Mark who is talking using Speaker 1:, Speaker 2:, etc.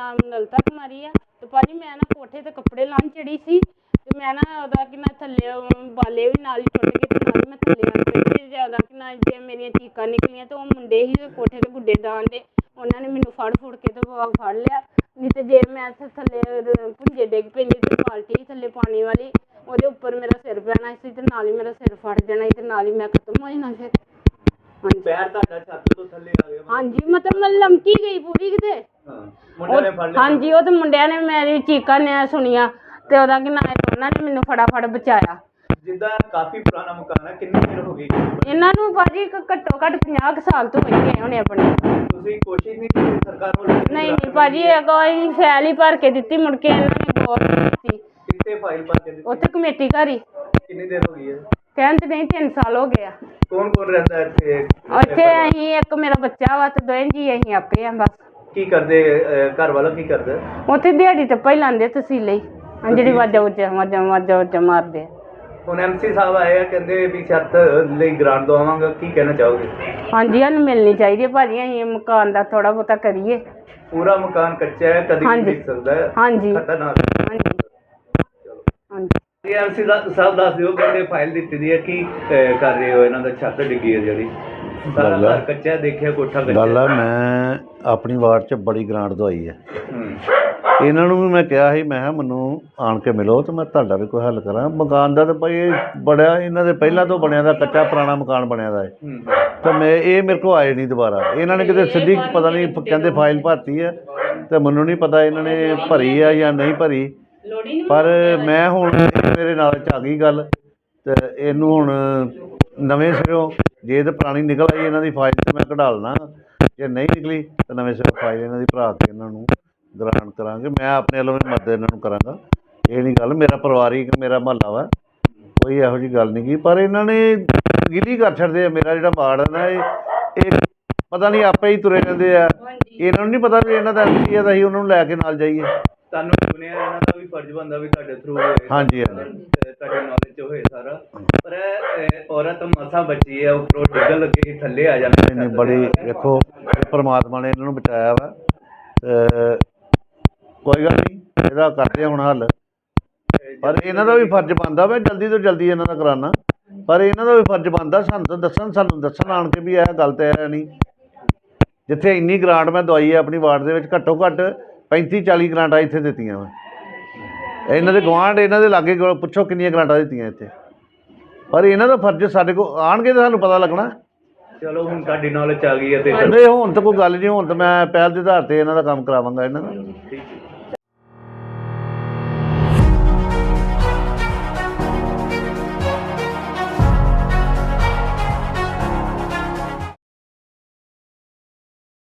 Speaker 1: ਨਾਮ ਲਲਤਾ ਕੁਮਾਰੀ ਆ। ਤੇ ਭਾਜੀ ਮੈਂ ਨਾ ਕੋਠੇ ਤੇ ਕੱਪੜੇ ਲਾਉਣ ਚੜੀ ਸੀ ਤੇ ਮੈਂ ਨਾ ਉਹਦਾ ਕਿ ਨਾ ਥੱਲੇ ਬਾਲੇ ਵੀ ਨਾਲ ਹੀ ਟੁੱਟ ਗਏ ਤੇ ਨਾਲ ਹੀ ਮੈਂ ਥੱਲੇ ਆ ਪਈ। ਜ਼ਿਆਦਾ ਕਿ ਨਾ ਜੇ ਮੇਰੀਆਂ ਚੀਕਾਂ ਨਿਕਲੀਆਂ ਤੇ ਉਹ ਮੁੰਡੇ ਸੀ ਕੋਠੇ ਤੇ ਗੁੱਡੇ ਡਾਣ ਦੇ, ਉਹਨਾਂ ਨੇ ਮੈਨੂੰ ਫੜ ਕੇ ਤੇ ਫੜ ਲਿਆ। ਨਹੀਂ ਤੇ ਜੇ ਮੈਂ ਥੱਲੇ ਭੁੰਜੇ ਡਿੱਗ ਪੈਂਦੀ ਤੇ ਬਾਲਟੀ ਥੱਲੇ ਪਾਣੀ ਵਾਲੀ, ਉਹਦੇ ਉੱਪਰ ਮੇਰਾ ਸਿਰ ਪੈਣਾ ਸੀ ਤੇ ਨਾਲ ਹੀ ਮੇਰਾ ਸਿਰ ਫਟ ਜਾਣਾ ਸੀ ਤੇ ਨਾਲ ਹੀ ਮੈਂ ਖਤਮ ਹੋ ਜਾਣਾ ਫਿਰ।
Speaker 2: ਪੈਰ ਤੁਹਾਡਾ ਛੱਤ ਤੋਂ ਥੱਲੇ ਆ ਗਿਆ?
Speaker 1: ਹਾਂਜੀ, ਮਤਲਬ ਮੈਂ ਲਮਕੀ ਗਈ ਪੂਰੀ ਕਿਤੇ।
Speaker 2: ਮੁੰਡਿਆਂ ਨੇ ਫੜ ਲਿਆ?
Speaker 1: ਹਾਂਜੀ, ਉਹ ਤੇ ਮੁੰਡਿਆਂ ਨੇ ਮੇਰੀ ਚੀਕਾਂ ਨੇ ਸੁਣੀਆਂ ਤੇ ਉਹਦਾ ਕਿ ਨਾ ਉਹਨਾਂ ਨੇ ਮੈਨੂੰ ਫਟਾਫਟ ਬਚਾਇਆ।
Speaker 2: ਜਿੱਦਾਂ ਕਾਫੀ ਪੁਰਾਣਾ ਮਕਾਨ ਹੈ, ਕਿੰਨੀ ਦੇਰ ਹੋ ਗਈ
Speaker 1: ਇਹਨਾਂ ਨੂੰ ਭਾਜੀ ਘੱਟੋ ਘੱਟ 50 ਸਾਲ ਤੋਂ ਹੋਈ ਗਏ ਹੋਣੇ ਆਪਣੇ।
Speaker 2: ਤੁਸੀਂ ਕੋਸ਼ਿਸ਼ ਨਹੀਂ ਕੀਤੀ ਸਰਕਾਰ ਵੱਲੋਂ?
Speaker 1: ਨਹੀਂ ਭਾਜੀ, ਕੋਈ ਫੈਲ ਹੀ ਭਰ ਕੇ ਦਿੱਤੀ, ਮੁੜ ਕੇ ਇਹਨਾਂ ਨੇ ਗੌਰ ਨਹੀਂ ਕੀਤੀ।
Speaker 2: ਕਿੱਥੇ ਫਾਈਲ ਭਰ ਕੇ ਦਿੱਤੀ?
Speaker 1: ਉੱਥੇ ਕਮੇਟੀ ਘਰ ਹੀ।
Speaker 2: ਕਿੰਨੀ ਦੇਰ ਹੋ ਗਈ ਹੈ?
Speaker 1: ਕਹਿੰਦੇ ਨਹੀਂ 3 ਸਾਲ ਹੋ ਗਏ ਆ।
Speaker 2: ਕੌਣ ਕੌਣ ਰਹਿੰਦਾ ਇੱਥੇ?
Speaker 1: ਇੱਥੇ ਅਸੀਂ, ਇੱਕ ਮੇਰਾ ਬੱਚਾ ਵਾ ਤੇ ਦੋਵੇਂ ਜੀ ਅਸੀਂ ਆਪੇ ਆ ਬਸ।
Speaker 2: ਕੀ ਕਰਦੇ ਘਰ ਵਾਲਾ? ਕੀ ਕਰਦਾ?
Speaker 1: ਉੱਥੇ ਦਿਹਾੜੀ ਤੇ ਪਹਿਲਾਂ ਲਾਉਂਦੇ ਤਸੀਲੇ ਹੀ, ਜਿਹੜੀ ਵਾਜਾ ਮਾਰਦੇ ਆ।
Speaker 2: ਹੁਣ ਐਮਸੀ ਸਾਹਿਬ ਆਏ ਆ, ਕਹਿੰਦੇ ਵੀ ਛੱਤ ਲਈ ਗ੍ਰਾਂਟ ਦਵਾਵਾਂਗਾ, ਕੀ ਕਹਿਣਾ ਚਾਹੋਗੇ?
Speaker 1: ਹਾਂਜੀ, ਸਾਨੂੰ ਮਿਲਣੀ ਚਾਹੀਦੀ ਹੈ ਭਾਜੀ, ਅਸੀਂ ਮਕਾਨ ਦਾ ਥੋੜਾ ਬਹੁਤਾ ਕਰੀਏ।
Speaker 2: ਪੂਰਾ ਮਕਾਨ ਕੱਚਾ ਹੈ, ਕਦੀ ਵੀ ਡਿੱਗ ਸਕਦਾ ਹੈ।
Speaker 1: ਹਾਂਜੀ
Speaker 2: ਖਤਰਨਾਕ।
Speaker 1: ਹਾਂਜੀ ਹਾਂਜੀ।
Speaker 2: ਐਮਸੀ ਸਾਹਿਬ ਦੱਸ ਦਿਓ, ਕਹਿੰਦੇ ਫਾਈਲ ਦਿੱਤੀ ਦੀ ਹੈ, ਕੀ ਕਰ ਰਹੇ ਹੋ? ਇਹਨਾਂ ਦਾ ਛੱਤ ਡਿੱਗੀ ਹੈ ਜਿਹੜੀ, ਸਾਰਾ ਘਰ ਕੱਚਾ, ਦੇਖਿਆ ਕੋਠਾ ਕੱਚਾ।
Speaker 3: ਗੱਲ ਆ, ਮੈਂ ਆਪਣੀ ਵਾਰਡ 'ਚ ਬੜੀ ਗ੍ਰਾਂਟ ਦਵਾਈ ਹੈ। ਇਹਨਾਂ ਨੂੰ ਵੀ ਮੈਂ ਕਿਹਾ ਸੀ, ਮੈਂ ਕਿਹਾ ਮੈਨੂੰ ਆਣ ਕੇ ਮਿਲੋ ਤੇ ਮੈਂ ਤੁਹਾਡਾ ਵੀ ਕੋਈ ਹੱਲ ਕਰਾਂ। ਮਕਾਨ ਦਾ ਤਾਂ ਭਾਈ ਬੜਿਆ ਇਹਨਾਂ ਦੇ ਪਹਿਲਾਂ ਤੋਂ ਬਣਿਆ ਦਾ, ਕੱਚਾ ਪੁਰਾਣਾ ਮਕਾਨ ਬਣਿਆ ਦਾ ਹੈ। ਤਾਂ ਇਹ ਮੇਰੇ ਕੋਲ ਆਏ ਨਹੀਂ ਦੁਬਾਰਾ। ਇਹਨਾਂ ਨੇ ਕਿਤੇ ਸਿੱਧੀ ਪਤਾ ਨਹੀਂ ਕਹਿੰਦੇ ਫਾਈਲ ਭਰਤੀ ਹੈ ਤੇ ਮੈਨੂੰ ਨਹੀਂ ਪਤਾ ਇਹਨਾਂ ਨੇ ਭਰੀ ਆ ਜਾਂ ਨਹੀਂ ਭਰੀ। ਪਰ ਮੈਂ ਹੁਣ ਮੇਰੇ ਨਾਲ 'ਚ ਆ ਗਈ ਗੱਲ ਤੇ ਇਹਨੂੰ ਹੁਣ ਨਵੇਂ ਸਿਰੋਂ, ਜੇ ਤਾਂ ਪੁਰਾਣੀ ਨਿਕਲ ਆਈ ਇਹਨਾਂ ਦੀ ਫਾਈਲ ਤਾਂ ਮੈਂ ਕਢਾ ਲੈਣਾ, ਜੇ ਨਹੀਂ ਨਿਕਲੀ ਤਾਂ ਨਵੇਂ ਸਿਰੋਂ ਫਾਈਲ ਇਹਨਾਂ ਦੀ ਭਰਾ ਕੇ ਇਹਨਾਂ ਨੂੰ ਗ੍ਰਾਂਟ ਕਰਾਂਗੇ। ਮੈਂ ਆਪਣੇ ਵੱਲੋਂ ਵੀ ਮਦਦ ਇਹਨਾਂ ਨੂੰ ਕਰਾਂਗਾ। ਇਹ ਨਹੀਂ ਗੱਲ, ਮੇਰਾ ਪਰਿਵਾਰਿਕ ਮੇਰਾ ਮੁਹੱਲਾ ਵਾ, ਕੋਈ ਇਹੋ ਜਿਹੀ ਗੱਲ ਨਹੀਂ ਗੀ। ਪਰ ਇਹਨਾਂ ਨੇ ਗਿਲੀ ਕਰ ਛੱਡਦੇ ਆ। ਮੇਰਾ ਜਿਹੜਾ ਵਾਰਡ ਹੈ ਨਾ, ਇਹ ਪਤਾ ਨਹੀਂ ਆਪੇ ਹੀ ਤੁਰੇ ਰਹਿੰਦੇ ਆ। ਇਹਨਾਂ ਨੂੰ ਨਹੀਂ ਪਤਾ ਵੀ ਇਹਨਾਂ ਦਾ ਐਮਸੀ ਆ ਤਾਂ ਅਸੀਂ ਉਹਨਾਂ ਨੂੰ ਲੈ ਕੇ ਨਾਲ ਜਾਈਏ।
Speaker 2: ਤੁਹਾਨੂੰ ਸੁਣਿਆ ਇਹਨਾਂ ਦਾ ਵੀ ਫਰਜ਼ ਬਣਦਾ ਵੀ ਤੁਹਾਡੇ ਥਰੂ ਹੋਏ।
Speaker 3: ਹਾਂਜੀ ਹਾਂਜੀ,
Speaker 2: ਤੁਹਾਡੇ ਨੌਲੇਜ 'ਚ ਹੋਏ ਸਾਰਾ। ਪਰ ਔਰਤ ਮਸਾਂ ਬਚੀ ਹੈ, ਉੱਪਰੋਂ ਡਿੱਗਣ ਲੱਗੇ ਥੱਲੇ ਆ ਜਾਂਦੇ।
Speaker 3: ਨਹੀਂ ਬੜੀ ਵੇਖੋ, ਪਰਮਾਤਮਾ ਨੇ ਇਹਨਾਂ ਨੂੰ ਬਚਾਇਆ ਵਾ। ਕੋਈ ਗੱਲ ਨਹੀਂ, ਇਹਦਾ ਕਰਦੇ ਹੁਣ ਹੱਲ। ਪਰ ਇਹਨਾਂ ਦਾ ਵੀ ਫਰਜ਼ ਬਣਦਾ ਵਾ, ਜਲਦੀ ਤੋਂ ਜਲਦੀ ਇਹਨਾਂ ਦਾ ਕਰਾਉਣਾ। ਪਰ ਇਹਨਾਂ ਦਾ ਵੀ ਫਰਜ਼ ਬਣਦਾ ਸਾਨੂੰ ਤਾਂ ਦੱਸਣ, ਸਾਨੂੰ ਦੱਸਣ ਆਣ ਕੇ ਵੀ ਇਹ ਗੱਲ ਤਾਂ ਹੈ ਨਹੀਂ। ਜਿੱਥੇ ਇੰਨੀ ਗ੍ਰਾਂਟ ਮੈਂ ਦਵਾਈ ਹੈ ਆਪਣੀ ਵਾਰਡ ਦੇ ਵਿੱਚ, ਘੱਟੋ ਘੱਟ 35-40 ਗ੍ਰਾਂਟਾਂ ਇੱਥੇ ਦਿੱਤੀਆਂ ਵਾ। ਇਹਨਾਂ ਦੇ ਗੁਆਂਢ, ਇਹਨਾਂ ਦੇ ਲਾਗੇ ਪੁੱਛੋ ਕਿੰਨੀਆਂ ਗ੍ਰਾਂਟਾਂ ਦਿੱਤੀਆਂ ਇੱਥੇ। ਪਰ ਇਹਨਾਂ ਦਾ ਫਰਜ਼ ਸਾਡੇ ਕੋਲ ਆਉਣਗੇ ਤਾਂ ਸਾਨੂੰ ਪਤਾ ਲੱਗਣਾ।
Speaker 2: ਚਲੋ ਹੁਣ ਤੁਹਾਡੀ ਨੌਲੇਜ ਆ ਗਈ ਹੈ ਤੇ
Speaker 3: ਨਹੀਂ, ਹੁਣ ਤਾਂ ਕੋਈ ਗੱਲ ਨਹੀਂ। ਹੁਣ ਤਾਂ ਮੈਂ ਪਹਿਲ ਦੇ ਆਧਾਰ 'ਤੇ ਇਹਨਾਂ ਦਾ ਕੰਮ ਕਰਾਵਾਂਗਾ ਇਹਨਾਂ ਦਾ।
Speaker 2: ਠੀਕ ਹੈ।